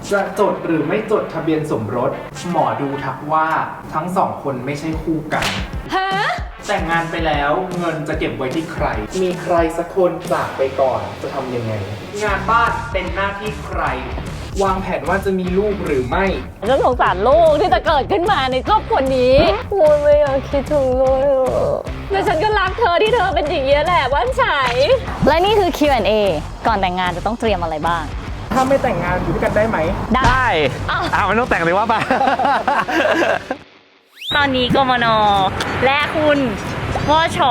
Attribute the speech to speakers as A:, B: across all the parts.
A: จะจดหรือไม่จดทะเบียนสมรสหมอดูทักว่าทั้งสองคนไม่ใช่คู่กัน
B: ฮะ
A: แต่งงานไปแล้วเงินจะเก็บไว้ที่ใครมีใครสักคนจากไปก่อนจะทำยังไงงานบ้านเป็นหน้าที่ใครวางแผนว่าจะมีลูกหรือไม่
B: ฉันสงสารลูกที่จะเกิดขึ้นมาในครอบครัวนี้โอ้ยไม่อยากคิดถึงเลยแต่ฉันก็รักเธอที่เธอเป็นอย่างนี้แหละว่านฉัยและนี่คือ Q&A ก่อนแต่งงานจะต้องเตรียมอะไรบ้าง
A: ถ้าไม่แต่งงานอยู่ด้วยกันได้ไหม
C: ได้มันต้องแต่งเลยว่าไป
B: ตอนนี้กมน.และคุณวช.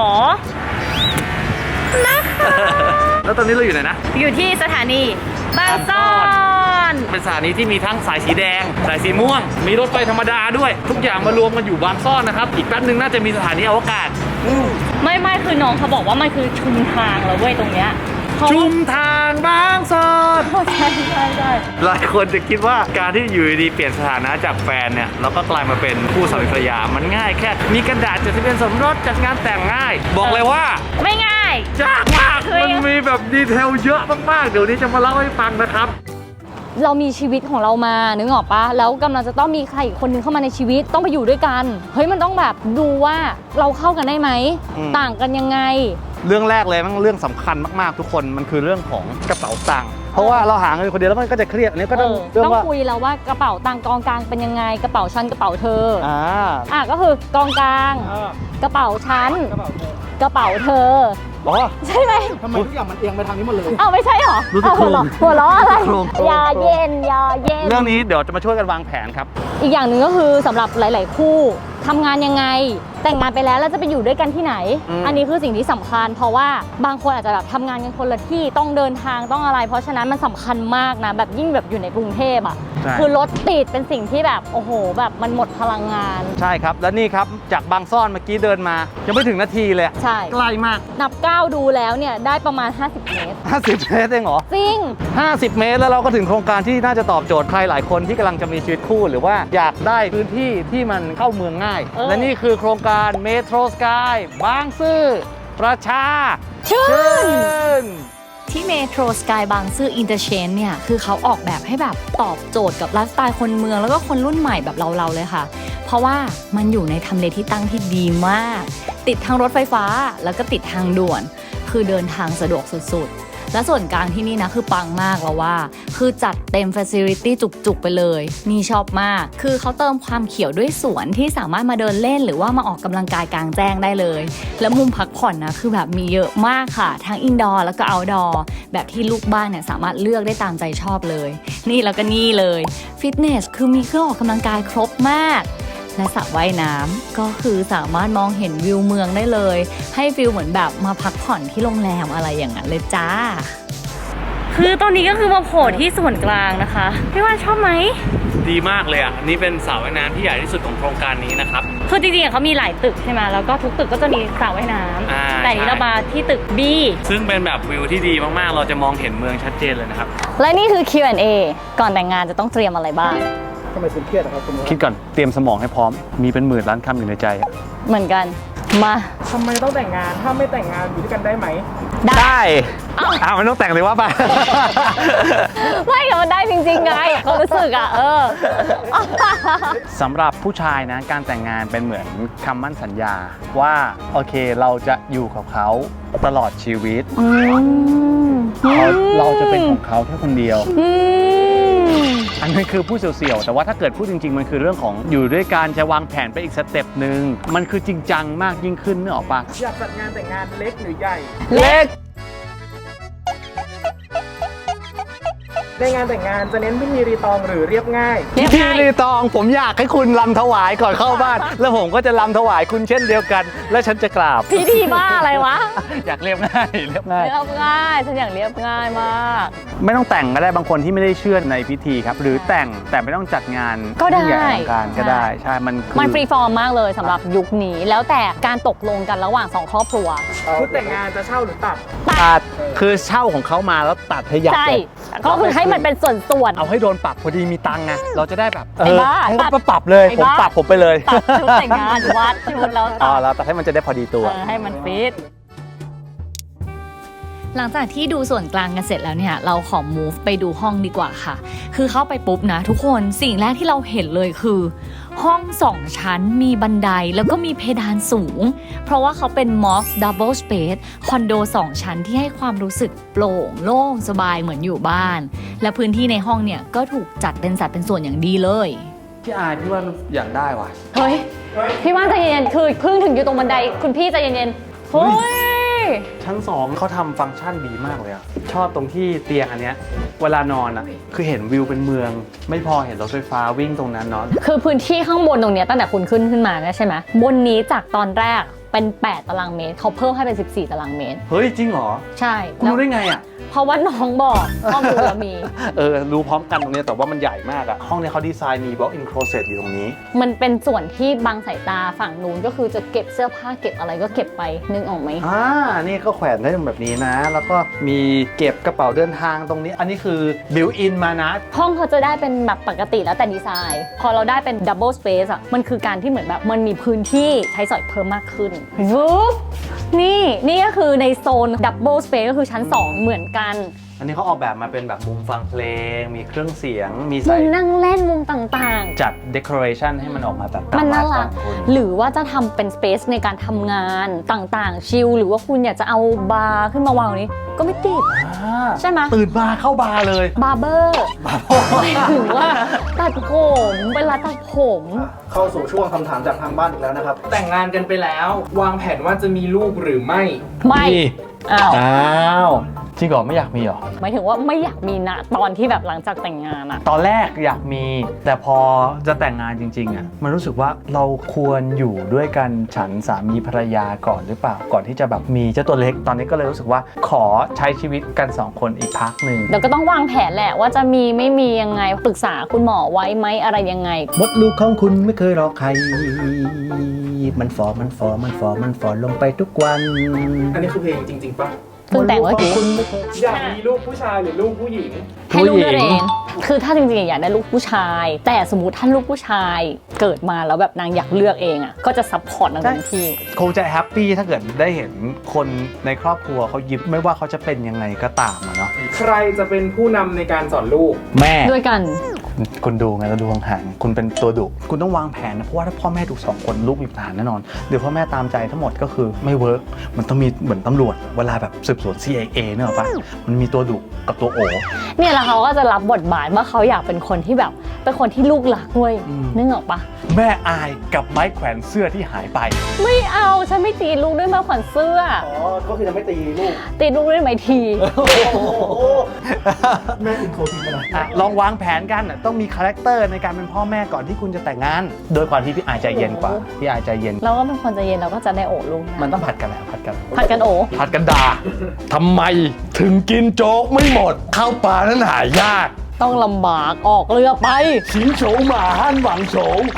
B: นะคะ
C: แล้วตอนนี้เราอยู่ไหนนะ
B: อยู่ที่สถานีบางซ่อน
C: เป็นสถานีที่มีทั้งสายสีแดงสายสีม่วงมีรถไฟธรรมดาด้วยทุกอย่างมารวมกันอยู่บางซ่อนนะครับอีกแป๊บนึงน่าจะมีสถานีอวกาศ
B: ไม่คือน้องเขาบอกว่ามันคือชุมทางแล้วเว้ยตรงเนี้ย
C: ชุมทางบางซ่อน
B: ใช่
C: หลายคนจะคิดว่าการที่อยู่ดีเปลี่ยนสถานะจากแฟนเนี่ยเราก็กลายมาเป็นคู่สามีภรรยามันง่ายแค่มีกระดาษจดทะเบียนสมรสจัดงานแต่งง่ายบอกเลยว่า
B: ไม่ง่าย
C: ยากมากมันมีแบบดีเทลเยอะมากๆเดี๋ยวนี้จะมาเล่าให้ฟังนะครับ
B: เรามีชีวิตของเรามานึกออกปะแล้วกำลังจะต้องมีใครอีกคนนึงเข้ามาในชีวิตต้องไปอยู่ด้วยกันเฮ้ยมันต้องแบบดูว่าเราเข้ากันได้ไหมต่างกันยังไง
C: เรื่องแรกเลยมันเรื่องสำคัญมากๆทุกคนมันคือเรื่องของกระเป๋าตังค์เพราะว่าเราหาเงินคนเดียวแล้วมันก็จะเครียดอันนี้ก็ต้อง
B: คุยแล้วว่ากระเป๋าตังค์กองกลางเป็นยังไงกระเป๋าฉันกระเป๋าเธอก็คือกองกลางกระเป๋าฉันกระเป๋าเธอใช่ไหม
A: ทำไมทุกอย่างมันเอียงไปทางนี้หมดเลย
B: ไม่ใช่หรอหัวล้ออะไรยาเย็น
C: เรื่องนี้เดี๋ยวจะมาช่วยกันวางแผนครับ
B: อีกอย่างหนึ่งก็คือสำหรับหลายๆคู่ทำงานยังไงแต่งงานไปแล้วจะไปอยู่ด้วยกันที่ไหนอันนี้คือสิ่งที่สำคัญเพราะว่าบางคนอาจจะแบบทำงานกันคนละที่ต้องเดินทางต้องอะไรเพราะฉะนั้นมันสำคัญมากนะแบบยิ่งแบบอยู่ในกรุงเทพคือรถติดเป็นสิ่งที่แบบโอ้โหแบบมันหมดพลังงาน
C: ใช่ครับแล้วนี่ครับจากบางซ่อนเมื่อกี้เดินมายังไม่ถึงนาทีเลย
B: ใช่
C: ใกล้มาก
B: นับก้าวดูแล้วเนี่ยได้ประมาณ50 เมตร
C: 50 เมตรเองเหรอ
B: จริง
C: 50 เมตรแล้วเราก็ถึงโครงการที่น่าจะตอบโจทย์ใครหลายคนที่กำลังจะมีชีวิตคู่หรือว่าอยากได้พื้นที่ที่มันเข้าเมืองง่ายและนี่คือโครงการเมโทรสกายบางซื่อประชาชื่น
B: ที่เมโทรสกายบางซื่ออินเตอร์เชนเนี่ยคือเขาออกแบบให้แบบตอบโจทย์กับไลฟ์สไตล์คนเมืองแล้วก็คนรุ่นใหม่แบบเราเลยค่ะเพราะว่ามันอยู่ในทำเลที่ตั้งที่ดีมากติดทางรถไฟฟ้าแล้วก็ติดทางด่วนคือเดินทางสะดวกสุดๆและส่วนกลางที่นี่นะคือปังมากแล้วว่าคือจัดเต็ม facility จุกๆไปเลยนี่ชอบมากคือเขาเติมความเขียวด้วยสวนที่สามารถมาเดินเล่นหรือว่ามาออกกำลังกายกลางแจ้งได้เลยแล้วมุมพักผ่อนนะคือแบบมีเยอะมากค่ะทั้งอินดอร์แล้วก็เอาท์ดอร์แบบที่ลูกบ้านเนี่ยสามารถเลือกได้ตามใจชอบเลยนี่แล้วก็นี่เลยฟิตเนสคือมีเครื่องออกกำลังกายครบมากและสระว่ายน้ำก็คือสามารถมองเห็นวิวเมืองได้เลยให้ฟิลเหมือนแบบมาพักผ่อนที่โรงแรมอะไรอย่างนั้นเลยจ้าคือตอนนี้ก็คือมาโผล่ที่ส่วนกลางนะคะพี่ว่าชอบไหม
C: ดีมากเลยอ่ะนี่เป็นสระว่ายน้ำที่ใหญ่ที่สุดของโครงการนี้นะครับ
B: คือจริงๆเขามีหลายตึกใช่ไหมแล้วก็ทุกตึกก็จะมีสระว่ายน้ำแต่นี้เรามาที่ตึก B
C: ซึ่งเป็นแบบวิวที่ดีมากๆเราจะมองเห็นเมืองชัดเจนเลยนะครับ
B: และนี่คือ Q&A ก่อนแต่งงานจะต้องเตรียมอะไรบ้าง
A: ทำไมคุณเครียดครับคุณ
C: คิดก่อนเตรียมสมองให้พร้อมมีเป็นหมื่นล้านคำอยู่ในใจ
B: เหมือนกันมา
A: ทำไมต้องแต่งงานถ้าไม่แต่งงานอยู่ด้วยกันได้ไหม
C: ได้มันต้องแต่งเลยว่าไป
B: ไม่ก็มันได้จริงๆไงเขารู้สึก
C: สำหรับผู้ชายนะการแต่งงานเป็นเหมือนคำมั่นสัญญาว่าโอเคเราจะอยู่กับเขาตลอดชีวิตเราจะเป็นของเขาแค่คนเดียวอันนั้นคือพูดเสี่ยวๆแต่ว่าถ้าเกิดพูดจริงๆมันคือเรื่องของอยู่ด้วยการจะวางแผนไปอีกสเต็ปหนึ่งมันคือจริงจังมากยิ่งขึ้นนึกออกปะ
A: อยากจัดงานแต่งงานเล็กหรือใหญ่
C: เล็ก
A: ในงานแต่งงานจะเน้นพิธีรีตองหรือเรียบง่าย
C: พิธีรีตองผมอยากให้คุณรำถวายก่อนเข้าบ้านแล้วผมก็จะรำถวายคุณเช่นเดียวกันและฉันจะกราบ
B: พิธีบ้าอะไรวะ
C: อยากเรียบง่ายเรียบง่าย
B: ฉันอยากเรียบง่ายมาก
C: ไม่ต้องแต่งก็ได้บางคนที่ไม่ได้เชื่อในพิธีครับหรือแต่งแต่ไม่ต้องจัดงาน
B: ก็ได้
C: ใหญ่อลังการก็ได้ใช่มัน
B: ฟรีฟอร์มมากเลยสำหรับยุคนี้แล้วแต่การตกลงกันระหว่าง2ครอบครัว
A: ชุดแต่งงานจะเช่าหรือตัด
C: คือเช่าของเขามาแล้วตัดให้ยับเลย
B: ก็คือให้มันเป็นส่วน
C: เอาให้โดนปรับพอดีมีตังค์ไงเราจะได้แบบ
B: ให้
C: เขาปรับเลยผมไปเลย
B: ตัดชุดแต่งงานวัดชุดแล้ว
C: แล้วตัดให้มันจะได้พอดีตัว
B: ให้มันฟิตหลังจากที่ดูส่วนกลางกันเสร็จแล้วเนี่ยเราขอ move ไปดูห้องดีกว่าค่ะคือเข้าไปปุ๊บนะทุกคนสิ่งแรกที่เราเห็นเลยคือห้อง2 ชั้นมีบันไดแล้วก็มีเพดานสูงเพราะว่าเขาเป็น Moss Double Space คอนโด2 ชั้นที่ให้ความรู้สึกโปร่งโล่งสบายเหมือนอยู่บ้านและพื้นที่ในห้องเนี่ยก็ถูกจัดเป็นสัดเป็นส่วนอย่างดีเลย
C: พี่อายพี่ว่าอยากได้ว่ะ
B: เฮ้ยพี่ว่าใจเย็นๆคือเพิ่งถึงอยู่ตรงบันไดคุณพี่ใจเย็นๆเฮ้ย
C: ชั้น2เขาทำฟังก์ชันดีมากเลยอะชอบตรงที่เตียงอันเนี้ยเวลานอนอะคือเห็นวิวเป็นเมืองไม่พอเห็นรถไฟฟ้าวิ่งตรงนั้นเนาะ
B: คือพื้นที่ข้างบนตรงเนี้ยตั้งแต่คุณขึ้นมาเนี่ยใช่ไหมบนนี้จากตอนแรกเป็น8 ตารางเมตรเขาเพิ่มให้เป็น14 ตารางเมตร
C: เฮ้ยจริงเหรอ
B: ใช่
C: คุณรู้ได้ไงอะ
B: เพราะว่าน้องบอกข้อมูลมี
C: รู้พร้อมกันตรงนี้แต่ว่ามันใหญ่มากอะห้องนี้เขาดีไซน์มี walk-in closet อยู่ตรงนี้
B: มันเป็นส่วนที่บังสายตาฝั่งนู้นก็คือจะเก็บเสื้อผ้าเก็บอะไรก็เก็บไปนึกออกไหม
C: นี่ก็แขวนได้แบบนี้นะแล้วก็มีเก็บกระเป๋าเดินทางตรงนี้อันนี้คือ built in มานะ
B: ห้องเขาจะได้เป็นแบบปกติแล้วแต่ดีไซน์พอเราได้เป็น double space อะมันคือการที่เหมือนแบบมันมีพื้นที่ใช้สอยเพิ่มมากขึ้นนี่ก็คือในโซน double space ก็คือชั้น2เหมือนกัน
C: อันนี้เขาออกแบบมาเป็นแบบมุมฟังเพลงมีเครื่องเสียงมี
B: มุมนั่งเล่นมุมต่าง
C: ๆจัด decoration ให้มันออกมาแบบ
B: มันน่ารักหรือว่าจะทำเป็น space ในการทำงานต่างๆชิลหรือว่าคุณอยากจะเอาบาร์ขึ้นมาวางนี้ก็ไม่ติดใช่ไหม
C: ตื่นมาเข้าบาร์เลย
B: บาร์เบอร์หรือว่าตัดผมเวลาตัดผม
A: เข้าสู่ช่วงคำถามจากทางบ้านอีกแล้วนะครับแต่งงานกันไปแล้ววางแผนว่าจะมีลูกหรือไม่
C: อ้าวจริงเหรอไม่อยากมีเหรอ
B: หมายถึงว่าไม่อยากมีนะตอนที่แบบหลังจากแต่งงานอะ
C: ตอนแรกอยากมีแต่พอจะแต่งงานจริงๆอะมันรู้สึกว่าเราควรอยู่ด้วยกันฉันสามีภรรยาก่อนหรือเปล่าก่อนที่จะแบบมีเจ้าตัวเล็กตอนนี้ก็เลยรู้สึกว่าขอใช้ชีวิตกัน2 คนอีกพักหนึ่ง
B: เดี๋ยวก็ต้องวางแผนแหละว่าจะมีไม่มียังไงปรึกษาคุณหมอไว้ไหมอะไรยังไง
C: มดลูกของคุณไม่เคยรอใครมันฟอลงไปทุกวัน
A: อันนี้คือเพลงจริงๆป่ะ
B: เพิ่งแต่งเมื่อกี้
A: อยากมีลูกผู้ชายหรือลูกผู้หญิง
B: ให้ลูกเลือกเองคือถ้าจริงๆอยากได้ลูกผู้ชายแต่สมมติท่านลูกผู้ชายเกิดมาแล้วแบบนางอยากเลือกเองอ่ะก็จะซัพพอร์ตนางเต็มที่
C: คงจะแฮปปี้ถ้าเกิดได้เห็นคนในครอบครัวเขายิ้มไม่ว่าเขาจะเป็นยังไงก็ตามเนาะ
A: ใครจะเป็นผู้นำในการสอนลูก
C: แม่
B: ด้วยกัน
C: คุณดูไงเราดูห่างๆคุณเป็นตัวดุคุณต้องวางแผนนะเพราะว่าถ้าพ่อแม่ดุ2 คนลูกมีปัญหาแน่นอนเดี๋ยวพ่อแม่ตามใจทั้งหมดก็คือไม่เวิร์กมันต้องมีเหมือนตำรวจเวลาแบบสืบสวน CIA เนี่ยหรอปะมันมีตัวดุกับตัวโอ
B: เนี่ยแล้วเขาก็จะรับบทบาทว่าเขาอยากเป็นคนที่แบบเป็นคนที่ลูกหลักด้วยนึกออกปะ
C: แม่อายกับไม้แขวนเสื้อที่หายไป
B: ไม่เอาฉันไม่ตีลูกด้วยไม้แขวนเสื้อ
A: ก็คือจะไม่ตีลูก
B: ด้วยไม้ที
A: แม่อินโทรทีกันนะ
C: ลองวางแผนกันต้องมีคาแรคเตอร์ในการเป็นพ่อแม่ก่อนที่คุณจะแต่งงานโดยความที่พี่อายใจเย็นกว่าพี่อายใจเย็น
B: เราก็เป็นคนใจเย็นเราก็จะได้โอบลูก
C: มันต้องผัดกันแหละผัด
B: กันโอ
C: ผัดกันด่าทำไมถึงกินโจ๊กไม่หมดข้าวปลานั้นหายาก
B: ต้องลำบากออกเรือไป
C: สิงโฉหมาฮั่นหวังโฉ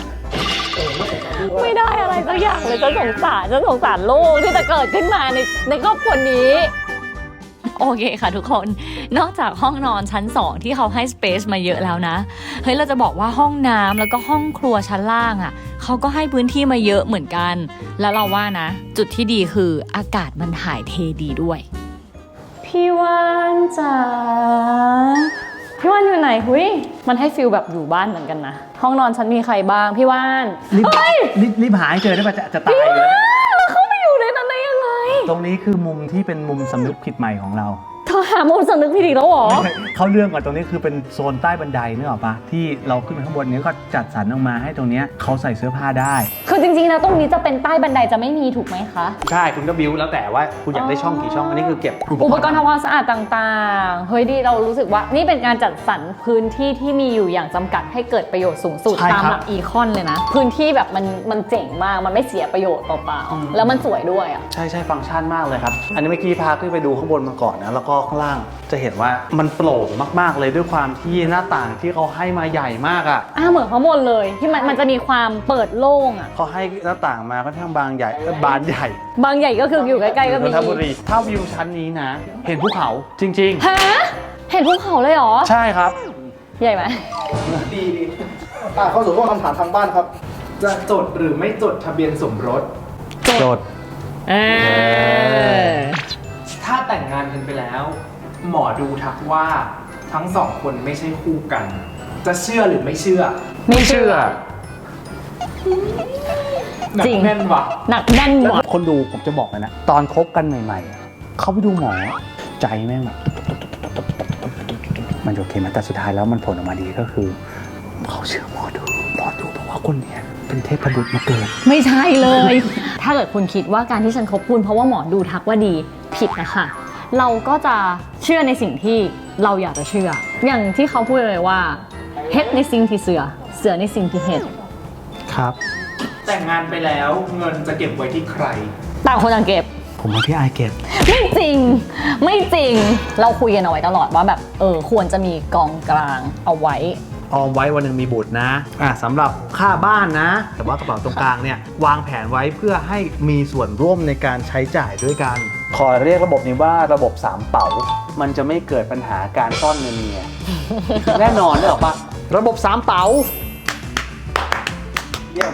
B: ไม่ได้อะไรสักอย่างเลยฉันสงสารลูกที่จะเกิดขึ้นมาในครอบครัวนี้โอเคค่ะทุกคนนอกจากห้องนอนชั้น2ที่เขาให้สเปซมาเยอะแล้วนะเฮ้ยเราจะบอกว่าห้องน้ำแล้วก็ห้องครัวชั้นล่างอ่ะเขาก็ให้พื้นที่มาเยอะเหมือนกันแล้วเราว่านะจุดที่ดีคืออากาศมันถ่ายเทดีด้วยพี่วานจ๋าพี่วานอยู่ไหนหุยมันให้ฟิลแบบอยู่บ้านเหมือนกันนะห้องนอนฉันมีใครบ้างพี่วาน
C: รีบหาให้เจอได้ป่ะจะตายเลย
B: เขาไปอยู่ในนั้นได้ยังไง
C: ตรงนี้คือมุมที่เป็นมุมสำนึกผิดใหม่ของเรา
B: เธอหามุมสำนึกผิดอีกแล้วหรอ
C: เขาเรื่องก่อนตรงนี้คือเป็นโซนใต้บันไดนึกออกปะที่เราขึ้นไปข้างบนนี้ก็จัดสรรออกมาให้ตรงนี้เขาใส่เสื้อผ้าได้
B: คือจริงๆแล้วตรงนี้จะเป็นใต้บันไดจะไม่มีถูกไหมคะ
C: ใช่คุณก็บิ้วแล้วแต่ว่าคุณอยากได้ช่องกี่ช่องอันนี้คือเก็บ
B: อุปกรณ์ทำความสะอาดต่างๆเฮ้ยดีเรารู้สึกว่านี่เป็นการจัดสรรพื้นที่ที่มีอยู่อย่างจำกัดให้เกิดประโยชน์สูงสุดตามหลักอีคอนเลยนะพื้นที่แบบมันเจ๋งมากมันไม่เสียประโยชน์เปล่าๆแล้วมันสวยด้วยอ่ะ
C: ใช่ฟังก์ชันมากเลยครับอันนี้เมื่อกี้พาขึ้นไปดูข้างบนมาก่อนนะแล้วก็ข้างล่างจะเห็นว่ามันโปร่งมากๆเลยด้วยความที่หน้าต่างที่เขาให้มาใหญ่มากอ่ะ
B: เหมือนข้างบนเลยที่มันจะมีความเปิดโล่งอ่ะ
C: เขาให้หน้าต่างมาค่อนข้างบานใหญ่
B: ก็คืออยู่ใกล้ๆก็มี
C: นนทบุรีถ้าวิวชั้นนี้นะเห็นภูเขาจริง
B: ๆฮะเห็นภูเขาเลยเหรอ
C: ใช่ครับ
B: ใหญ่ไหม
A: ดีเข้าสู่ข้อคำถามทางบ้านครับจะจดหรือไม่จดทะเบียนสมรส
C: จด
A: ถ้ถ้าแต่งงานกันไปแล้ว หมอดูทักว่าทั้งสองคนไม่ใช่คู่กัน จะเชื่อหรือไม่เชื่อ
B: ไม่เชื่อ
A: หนัก
B: จริง
A: แน่นว่ะ
B: หนักแน่นหมด
C: คนดูผมจะบอกเลยนะ ตอนคบกันใหม่ๆอะเขาไปดูหมอใจแม่งแบบมันโอเคไหมแต่สุดท้ายแล้วมันผลออกมาดีก็คือ เขาเชื่อหมอดูบอกว่าคนเนี้ยเป็นเทพบุตรมาเกิด
B: ไม่ใช่เลย ถ้าเกิดคุณคิดว่าการที่ฉันคบคุณเพราะว่าหมอดูทักว่าดีผิดนะคะ เราก็จะเชื่อในสิ่งที่เราอยากจะเชื่อ อย่างที่เขาพูดเลยว่าเฮ็ดในสิ่งที่เสือในสิ่งที่เฮ็ด
C: ครับ
A: แต่งงานไปแล้วเงินจะเก็บไว้ที่ใคร
B: ต่างคนต่างเก็บ
C: ผมว่าพี่อายเก็บ
B: ไม่จริง ไม่จริง เราคุยกันเอาไว้ตลอดว่าแบบควรจะมีกองกลางเอาไว้
C: ออมไว้วันหนึ่งมีบุตรนะสำหรับค่าบ้านนะ แต่ว่ากระเป๋าตรงกลางเนี่ยวางแผนไว้เพื่อให้มีส่วนร่วมในการใช้จ่ายด้วยกัน ขอเรียกระบบนี้ว่าระบบ3เป๋า มันจะไม่เกิดปัญหาการซ่อนเงินเมีย แน่นอนเลยหรอปะระบบ3เป๋า
A: เยี่ยม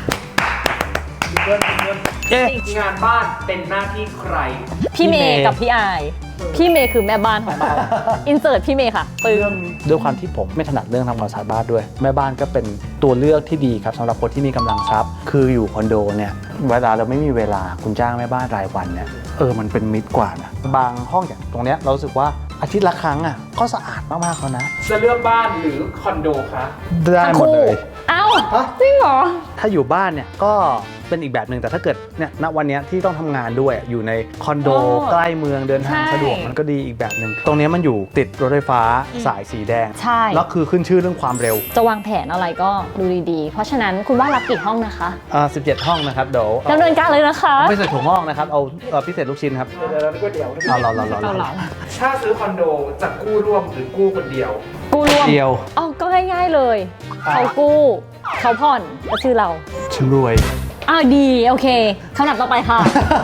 A: งานบ้านเป็นหน้าที่ใคร
B: พี่เมย์กับพี่อาย พี่เมย์คือแม่บ้านของเรา อินเสิร์ตพี่เมย์ค่ะปึ้ม
C: ด้วยความที่ผมไม่ถนัดเรื่องทำความสะอาดบ้านด้วย แม่บ้านก็เป็นตัวเลือกที่ดีครับสำหรับคนที่มีกำลังทรัพย์ คืออยู่คอนโดเนี่ยเวลาเราไม่มีเวลาคุณจ้างแม่บ้านรายวันเนี่ยมันเป็นมิตรกว่านะบางห้องอย่างตรงเนี้ยเรารู้สึกว่าอาทิตย์ละครั้งอ่ะก็สะอาดมากๆแล้วนะ
A: จะเลือกบ้านหรือคอนโดคะ
C: ได้หมดเลย
B: เอ้าจริงเหรอ
C: ถ้าอยู่บ้านเนี่ยก็เป็นอีกแบบหนึ่งแต่ถ้าเกิดเนี่ยณวันเนี้ยที่ต้องทำงานด้วยอยู่ในคอนโด
B: อ๋อ
C: ใกล้เมืองเดินทาง
B: ใช่
C: สะดวกมันก็ดีอีกแบบหนึ่งตรงเนี้ยมันอยู่ติดรถไฟฟ้าสายสีแดง
B: ใช่
C: แล้วคือขึ้นชื่อเรื่องความเร็ว
B: จะวางแผนอะไรก็ดูดีๆ เพราะฉะนั้นคุณว่ารับกี่ห้องนะคะ
C: 17 ห้องนะครับเดี๋ยว
B: ดำเนินการเลยนะคะ
C: ไม่ใส่ถั่วงอกนะครับเอาพิเศษลูกชิ้นครับ
A: เดี๋ยวก็เดี๋ยว
C: เอาเรา
B: เอาเหรอ
A: ถ้าซื้อคอนโดจะกู้ร่วมหรือกู้คนเดียว
B: กู้รวม
C: เดียว
B: อ๋อก็ง่ายๆเลย เขากู้เขาผ่อนก็ชื่อเรา
C: ฉันรวย
B: อ้าวดีโอเคคำถามต่อไปค่ะ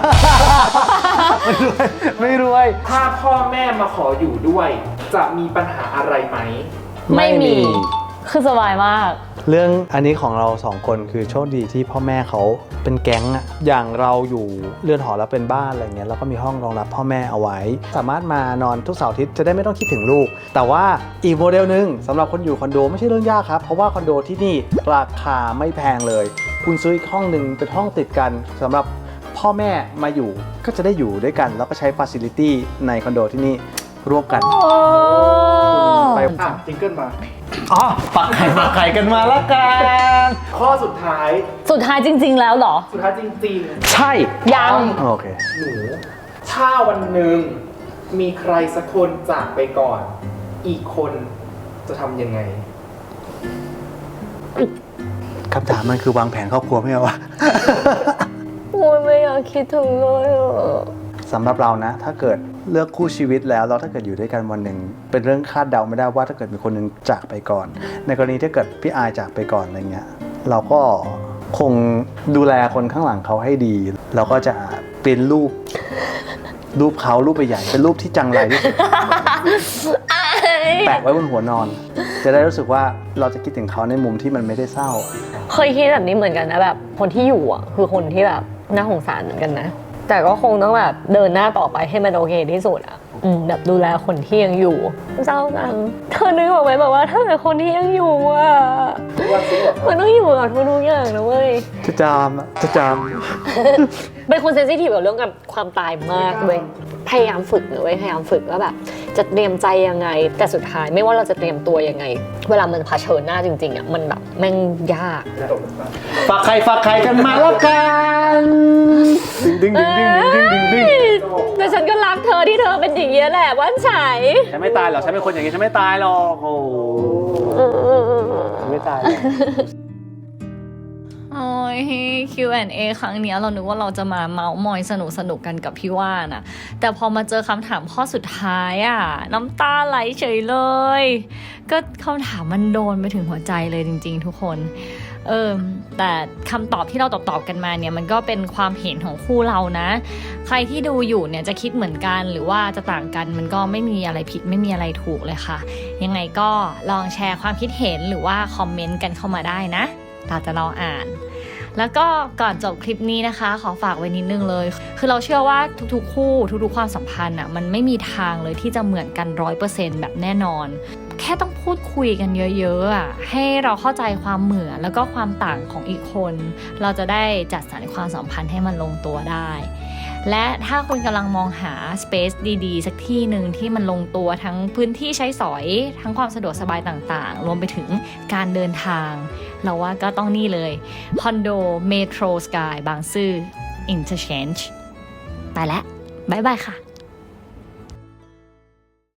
C: ไม่รวย
A: ถ้าพ่อแม่มาขออยู่ด้วย จะมีปัญหาอะไรไหม
B: ไม่มี คือสบายมาก
C: เรื่องอันนี้ของเราสองคนคือโชคดีที่พ่อแม่เขาเป็นแก๊งอะอย่างเราอยู่เรือนหอแล้วเป็นบ้านอะไรเงี้ยแล้วก็มีห้องรองรับพ่อแม่เอาไว้ สามารถมานอนทุกเสาร์อาทิตย์จะได้ไม่ต้องคิดถึงลูก แต่ว่าอีกโมเดลหนึ่งสำหรับคนอยู่คอนโดไม่ใช่เรื่องยากครับเพราะว่าคอนโดที่นี่ราคาไม่แพงเลย คุณซื้ออีกห้องหนึ่งเป็นห้องติดกันสำหรับพ่อแม่มาอยู่ก็จะได้อยู่ด้วยกัน แล้วก็ใช้ฟาซิลิตี้ในคอนโดที่นี่ร่วมกัน ไป
A: จิงเกิลมา
C: อ๋อปักไข่กันมาแล้วกัน
A: ข้อสุดท้าย
B: สุดท้ายจริง ๆ แล้วเหรอ
A: สุดท้ายจริง
C: ใช่
B: ยัง
C: โอเค
A: ๆ หนู ถ้าวันหนึ่งมีใครสักคนจากไปก่อน อีกคนจะทำยังไง
C: คำถามมันคือวางแผนครอบครัวไม่ใช่วะ
B: โอ้ยไม่อยากคิดถึงเลยอ่ะ
C: สำหรับเรานะ ถ้าเกิดเลือกคู่ชีวิตแล้วถ้าเกิดอยู่ด้วยกันวันหนึ่งเป็นเรื่องคาดเดาไม่ได้ว่าถ้าเกิดมีคนหนึ่งจากไปก่อน ในกรณีถ้าเกิดพี่อายจากไปก่อนอะไรเงี้ยเราก็คงดูแลคนข้างหลังเขาให้ดี เราก็จะเป็นรูปเขารูปใหญ่ๆเป็นรูปที่จังไรที่สุด แปะไว้บนหัวนอน จะได้รู้สึกว่าเราจะคิดถึงเขาในมุมที่มันไม่ได้เศร้า
B: เคยคิดแบบนี้เหมือนกันนะแบบคนที่อยู่อ่ะคือคนที่แบบน่าสงสารเหมือนกันนะ แต่ก็คงต้องแบบเดินหน้าต่อไปให้มันโอเคที่สุดอ่ะแบบดูแลคนที่ยังอยู่เศร้าจังเธอนึกออกไหมแบบว่าถ้าเกิดคนที่ยังอยู่อ่ะมันต้องอยู่กับทุกอย่างนะเว้ย
C: จะจาม
B: เป็นคนเซนซิทีฟกับเรื่องกับความตายมากเว้ยพยายามฝึกนะเว้ยพยายามฝึกว่าแบบจะเตรียมใจยังไง แต่สุดท้ายไม่ว่าเราจะเตรียมตัวยังไง เวลามันเผชิญหน้าจริงๆอ่ะมันแบบแม่งยาก
C: ฝากไข่กันมาแล้วกันดึง
B: แต่ฉันก็รักเธอที่เธอเป็นอย่างนี้แหละว่านฉัย
C: ฉันไม่ตายหรอกฉันเป็นคนอย่างนี้ฉันไม่ตายหรอกโอ้ไม่ตาย
B: โอ้ย Q&A ครั้งเนี้ยเรานึกว่าเราจะมาเมาส์มอยสนุกกันกับพี่ว่านอะแต่พอมาเจอคำถามข้อสุดท้ายอะน้ำตาไหลเฉยเลย ก็คำถามมันโดนไปถึงหัวใจเลยจริงๆทุกคนแต่คำตอบที่เราตอบกันมาเนี่ยมันก็เป็นความเห็นของคู่เรานะใครที่ดูอยู่เนี่ยจะคิดเหมือนกันหรือว่าจะต่างกันมันก็ไม่มีอะไรผิดไม่มีอะไรถูกเลยค่ะยังไงก็ลองแชร์ความคิดเห็นหรือว่าคอมเมนต์กันเข้ามาได้นะเราจะรออ่านแล้วก็ก่อนจบคลิปนี้นะคะขอฝากไว้นิดนึงเลยคือเราเชื่อว่าทุกๆคู่ทุกๆความสัมพันธ์อ่ะมันไม่มีทางเลยที่จะเหมือนกัน 100% แบบแน่นอนแค่ต้องพูดคุยกันเยอะๆอ่ะให้เราเข้าใจความเหมือนแล้วก็ความต่างของอีกคนเราจะได้จัดสรรความสัมพันธ์ให้มันลงตัวได้และถ้าคุณกำลังมองหา space ดีๆสักที่หนึ่งที่มันลงตัวทั้งพื้นที่ใช้สอยทั้งความสะดวกสบายต่างๆรวมไปถึงการเดินทางเราว่าก็ต้องนี่เลยคอนโดเมโทรสกายบางซื่อ Interchange ไปแล้วบ๊ายบายค่ะ